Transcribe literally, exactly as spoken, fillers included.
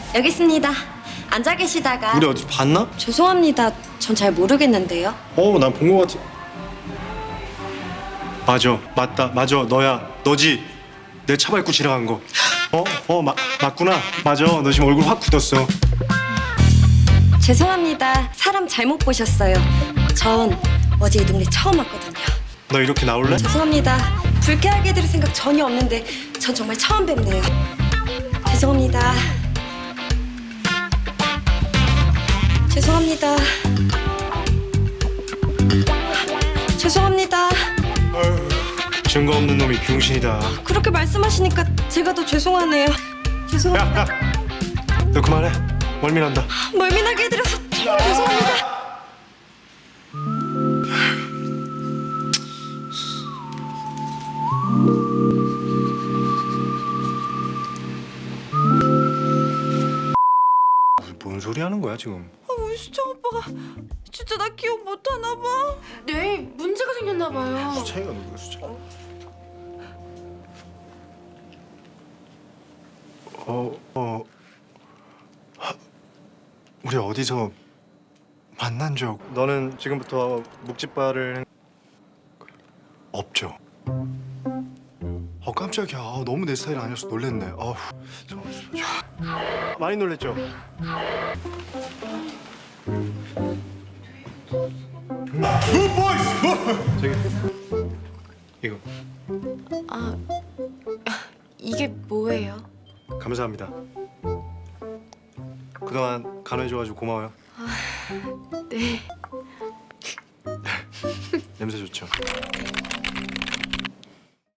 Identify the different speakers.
Speaker 1: 여기 있습니다. 앉아 계시다가.
Speaker 2: 우리 어디 봤나?
Speaker 1: 죄송합니다. 전 잘 모르겠는데요.
Speaker 2: 어, 난 본 거 같아. 맞아, 맞다, 맞아, 너야, 너지. 내 차 밟고 지나간 거. 어, 어, 마, 맞구나. 맞아, 너 지금 얼굴 확 굳었어.
Speaker 1: 죄송합니다. 사람 잘못 보셨어요. 전 어제 이 동네 처음 왔거든요.
Speaker 2: 너 이렇게 나올래?
Speaker 1: 죄송합니다. 불쾌하게 들을 생각 전혀 없는데 전 정말 처음 뵙네요. 죄송합니다. 죄송합니다. 죄송합니다.
Speaker 2: 증거 없는 놈이 병신이다.
Speaker 1: 그렇게 말씀하시니까 제가 더 죄송하네요. 죄송합니다.
Speaker 2: 야, 야, 너 그만해. 멀미난다.
Speaker 1: 멀미나게 해드려서 정말 죄송합니다.
Speaker 2: 뭔 소리 하는 거야 지금?
Speaker 1: 아, 우리 수정 오빠가 진짜 나 기억 못하나 봐.
Speaker 3: 뇌에 문제가 생겼나 봐요.
Speaker 2: 수창이가 누구야 수창? 어, 어, 하, 우리 어디서 만난 적? 너는 지금부터 묵찌바를 행- 없죠. 어 깜짝이야. 아, 너무 내 스타일 아니어서 놀랬네. 아우, 잠깐만, 잠깐만. 많이 놀랬죠? 저기 이거
Speaker 3: 아, 이게 뭐예요?
Speaker 2: 감사합니다. 그동안 간호해줘가지고 고마워요.
Speaker 3: 네.
Speaker 2: 냄새 좋죠?